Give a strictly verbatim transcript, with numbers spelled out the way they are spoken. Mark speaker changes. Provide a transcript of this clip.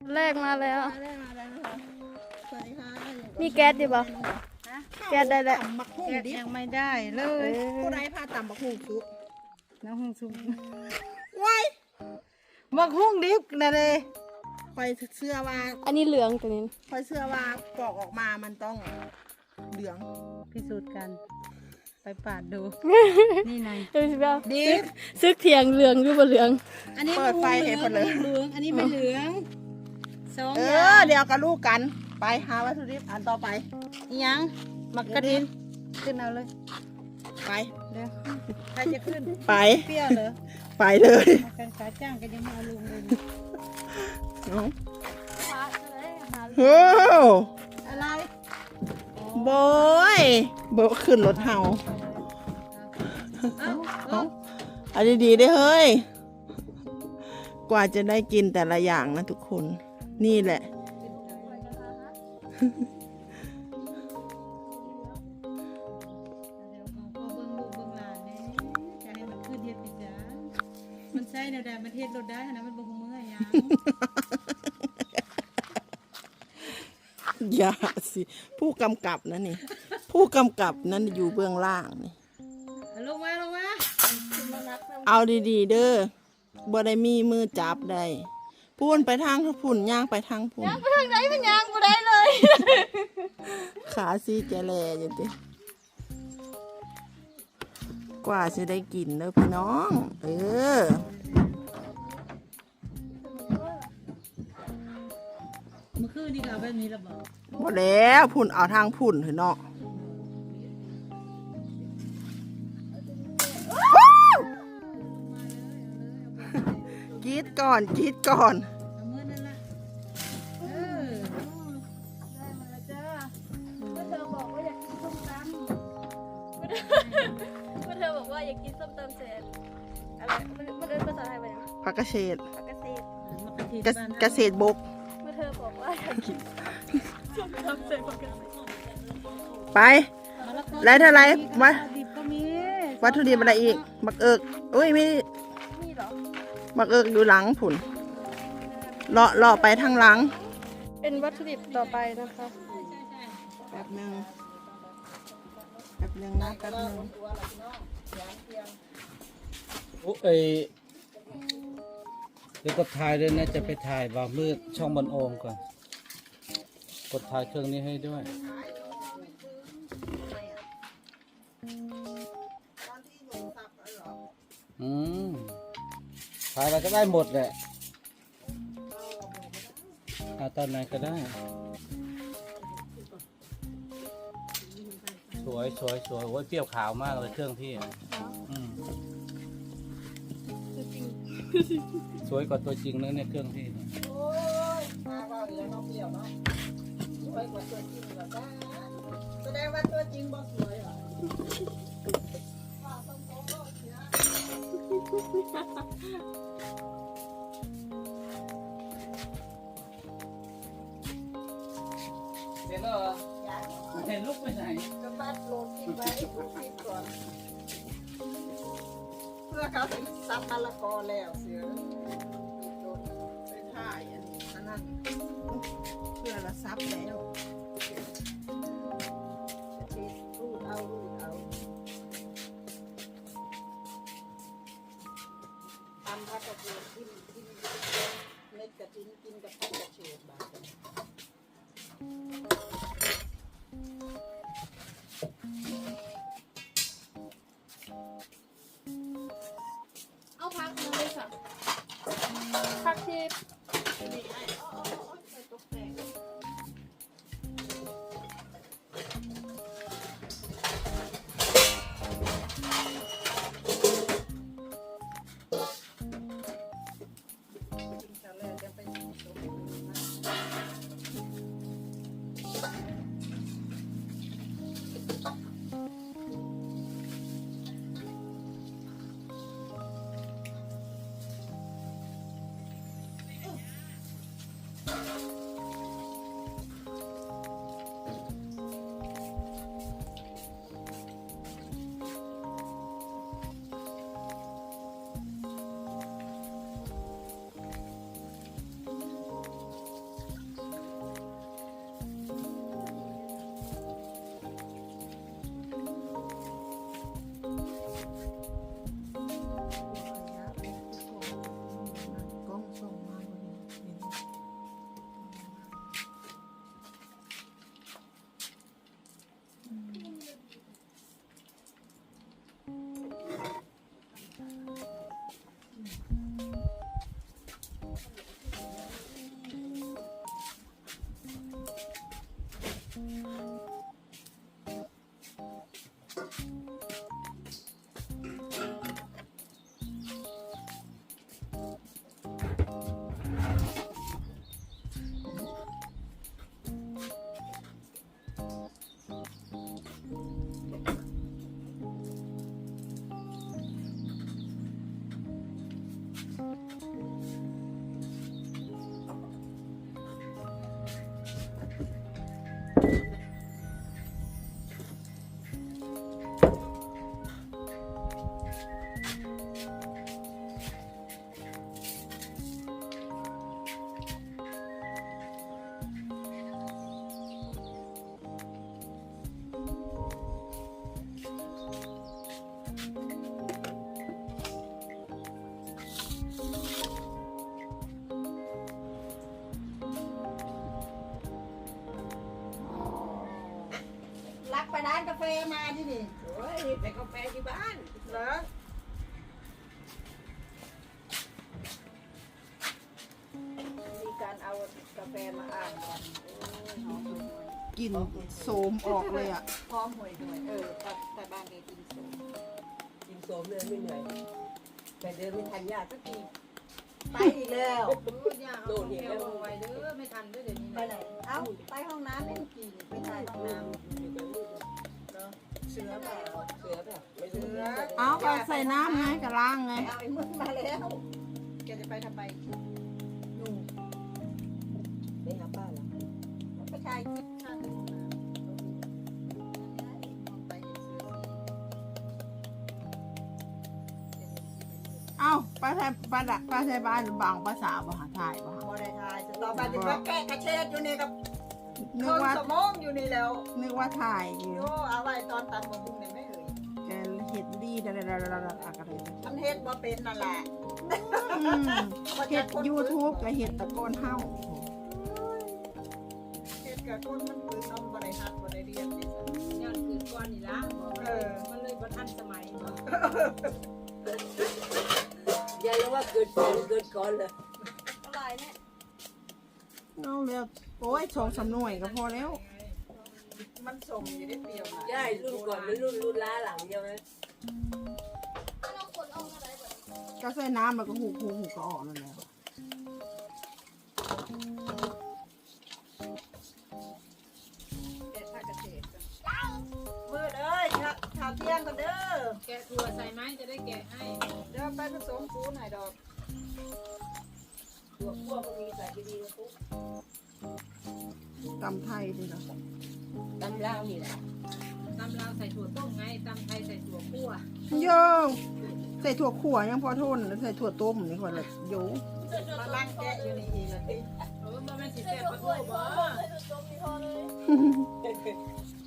Speaker 1: แรกมาแล้ว
Speaker 2: มาแล้วมาแล้วนะคะสวัสดีค่ะ
Speaker 1: มีแก๊สดิบ่แก๊สได้แล้ว
Speaker 2: ตำบักหุ่ง
Speaker 3: แกะ
Speaker 2: ดิบ
Speaker 3: ยังไม่ได้เล
Speaker 1: เอย อ
Speaker 2: ผู้ใดพาตำบักหุ่งซุป
Speaker 3: น้ำหุ่งสุก
Speaker 2: ไว้
Speaker 3: บักหุ่งดิบนะเลย
Speaker 2: คอยเสื้อว่า
Speaker 1: อันนี้เหลืองตัวนี้
Speaker 2: คอยเสื้อว่าปอกออกมามันต้องเหลือง
Speaker 3: พิสูจน์กัน ไปปาดดู นี่ไง
Speaker 1: ดูสิเปล่า
Speaker 2: ดิบ
Speaker 1: ซึกเถียงเหลืองหรือบ่เหลือง
Speaker 3: อันนี้
Speaker 2: เปิดไฟให้พอเลย
Speaker 3: เหลืองอันนี้ไม่เหลืองสอง
Speaker 2: เอ
Speaker 3: อย่า
Speaker 2: อง เดี๋ยวกับลูกกันไปหาวัตถุดิบอันต่อไป
Speaker 3: อีหยังมักกระดินขึ้นเอาเลย
Speaker 2: ไป
Speaker 3: เดี๋ยวใครจะขึ้น
Speaker 2: ไป
Speaker 3: เปรี้ยวเหรอ
Speaker 2: ไปเลย
Speaker 3: มากันขาจ้างก็ยังไม่เอาลุงเลย
Speaker 2: เอาโอ้
Speaker 3: อะไร
Speaker 2: บอยบอยขึ้นรถเฮา
Speaker 3: เอ้า
Speaker 2: เอาเอาดีๆได้เฮ้ย กว่าจะได้กินแต่ละอย่างนะทุกคน นี่แหละ
Speaker 3: เดี๋ยวของพ่อเบิ้งลูกเบิ้งหลานเนี่ยจะให้มันขึ้นเฮ็ดอีกจ้ามันใช่แนวใดมันเฮ็ดรถได้นะมันบ่ฮู้เมื่อยยัง
Speaker 2: อย่าสิ ผู้กำกับนะนี่ ผู้กำกับนั้นอยู่เบื้องล่างนี่
Speaker 3: เอาลงมาลงมา
Speaker 2: เอาดีๆเด้อบ่ได้มีมือจับได้พูนไปทางพุ่นย่างไปทางพุ่น
Speaker 1: ไปทางไหนเป็นยางบ่ได้เลย
Speaker 2: ขาซีแกแลอยู่ติกว่าจะได้กินเด้อพี่น้อง เออ
Speaker 3: เมื่อคืนนี่ก็เอาแบบนี้และบ่
Speaker 2: บ่แล้วพุ่นเอาทางพุ่นเถอะเนาะกรีดก่อนกรีดก่อน
Speaker 3: เอามือนั่นล่ะเออ
Speaker 1: ได้มาแล้วจ้าเมื่อเธอบอกว่าอยากกินส้มตำเมื่อเธอบอกว่าอยากกินส้มตำเสร็จอะไรมันมันเป็นภาษาไทยว่าอย่าง
Speaker 2: ผักกระเฉด
Speaker 1: ปกติ
Speaker 3: มากระทิ
Speaker 2: กระ
Speaker 3: บ้าน
Speaker 2: เกษตรบก
Speaker 1: เมื่อเธอบอกว่าอยากกินส้มตำเสร็จปกติ
Speaker 2: ไป
Speaker 3: มะละกอ
Speaker 2: แล้วเท่าไหร่วะ
Speaker 3: ดิบก็มี
Speaker 2: วัตถุดิบอะไรอีกบักเอิกอุ้ยมี
Speaker 1: นี่เหรอ
Speaker 2: บักเอิกอยู่หลังผุนเลาะเลาะไปทางหลัง
Speaker 1: เป็นวัตถุดิบต่อไปนะคะ
Speaker 2: แป๊บหนึ่งแป๊บหนึ่งนะแป๊บหนึ่ง
Speaker 4: โอ้เอยเดี๋ยวกดถ่ายด้วยนะจะไปถ่ายบ่าวมืดช่องบนโอมก่อนกดถ่ายเครื่องนี้ให้ด้วยอืมถ่ายอะไรก็ได้หมดแหละเอาตอนไหนก็ได้ สวยสวยสวยโอ้ยเปรี้ยวขาวมากเลยเครื่องพี่อ่ะอืมสวยกว่าตัวจริงนะเนี่ยเครื่องพี่เนี่ย
Speaker 2: แสดงว่าตัวจริงบ่สวยเหรอ
Speaker 4: เห็นแล้วเหรอเห็นลูกไปไหน
Speaker 2: จะตัดโลกินไว้คิดก่อนเพื่อเขาถึงซับมะละกอแล้วเสือไปถ่ายอันนี้อันนั้นเพื่อละซับแล้วรูดเอารูดเอาทำผักกระเทียมกินกินเม็ดกระทิ้นกินกับผักกระเทียมบาด
Speaker 1: เอาพักนึงเลยค่ะพักที่
Speaker 2: รักไปร้านกาแฟมาที่นี่
Speaker 5: โอ้ยไปกาแฟที่บ้าน
Speaker 2: เหรอมีการเอากาแฟมาอ่านกันกลิ่นโสมออกเลยอ่ะพร้อมหวยหวยเออแต่แต่บ้านนี้กินโสม
Speaker 5: กินโสมเลยไม่เหนื่อยแต่เดินไม่ทันยากสักที
Speaker 2: ไปอีกแล้ว
Speaker 5: โดนอีกแล้ว
Speaker 3: ไว้เด้อไม่ทันเด้อเดี๋ยวนี้
Speaker 2: ไปไหนเอ้าไปห้องน้ำเล่นกี่ไปถ่ายห้องน้ำเนาะเสือแบบ
Speaker 5: เสือแบบไม่รู้
Speaker 2: เสือ
Speaker 6: เอาก็ใส่น้ำไงกระล้างไง
Speaker 2: เอาไอ้มึงมาแล้วแกจะไปทำไมนู่น
Speaker 5: ไม่หาป้าหรอ
Speaker 2: ไปถ่ายคลิปข้างห้องน้ำไปเห็นเสือ
Speaker 6: เอาไปใส่ไปละไปใส่บ้านบางภาษาบาถ่ายบ่
Speaker 2: บอได้ถ่ายจะต่อไปจะมาแกะกระเชดอยู่นี่กับ
Speaker 6: นึ
Speaker 2: เคิ
Speaker 6: ก
Speaker 2: ง
Speaker 6: ว่า
Speaker 2: สมองอยู่นี่แล้ว
Speaker 6: นึกว่าถ่ายอยู่
Speaker 2: โยเอาไว้ตอนตำบะบุงเนี่ยไม่เอ่ย
Speaker 6: แกเห็ดดีดาดาดาดาดาอะไร
Speaker 2: มันเฮ็ดบ่เป็นนั่นแหละ
Speaker 6: อืมเห็ดยูทูบกับเห็ดตะโกนเฮ้า
Speaker 2: เฮ็ดกับคนมันปืนนมบ่ได้ฮัดบ่ได้เรียนนี่ซะ
Speaker 3: ย้อนคืนก่อนนี่ละบอก
Speaker 2: เออ
Speaker 3: มันเลยบ่ทันสมัยบ่
Speaker 5: ยายรู้ว่าเกิดก่อนเกิดก่อนเลย
Speaker 1: อะไรเนี่ย
Speaker 6: น้องเรียกโอ้ยสองสามหน่วยก็พอแล้ว
Speaker 2: มันสมอยู่ได้เปรียวนะ
Speaker 5: ยายรุ่นก่อนมันรุ่นรุ่นล้าหลังใช่ไหม
Speaker 1: ถ้าเราขนออกอะไรแบบ
Speaker 6: ก็ใส่น้ำมันก็หูหูหูก็ออกนั่นแหละ
Speaker 2: เฮ็ดผ้ากระเชดมืดเอ้ยข้าข้าวเที่ยงกันเด้อ
Speaker 3: แกะถั่วใส่ไหมจะได้แกะให้
Speaker 2: เดี๋ยวไปผสมปูนให้ดอก
Speaker 5: ตัวพวกก็มีใส่ดีๆนะปุ๊บ
Speaker 6: ตำไทยดีเนาะ
Speaker 5: ตำลาวนี่แหละ
Speaker 3: ตำลาวใส่ถั่วต้มไงตำไทยใส่ถั่วคั่ว
Speaker 6: โยใส่ถั่วขั่วยังพอทนใส่ถั่วต้มนี่คนละโย
Speaker 2: มานั่งแกะอยู่นี่อีกละติ
Speaker 3: เออบ่แม่นสิ
Speaker 1: เสื้
Speaker 3: แซ่
Speaker 1: อบ
Speaker 3: ปะ
Speaker 1: ก
Speaker 3: โถ
Speaker 1: ล้วย
Speaker 3: บ่
Speaker 1: เสื้อจมที่คอเลย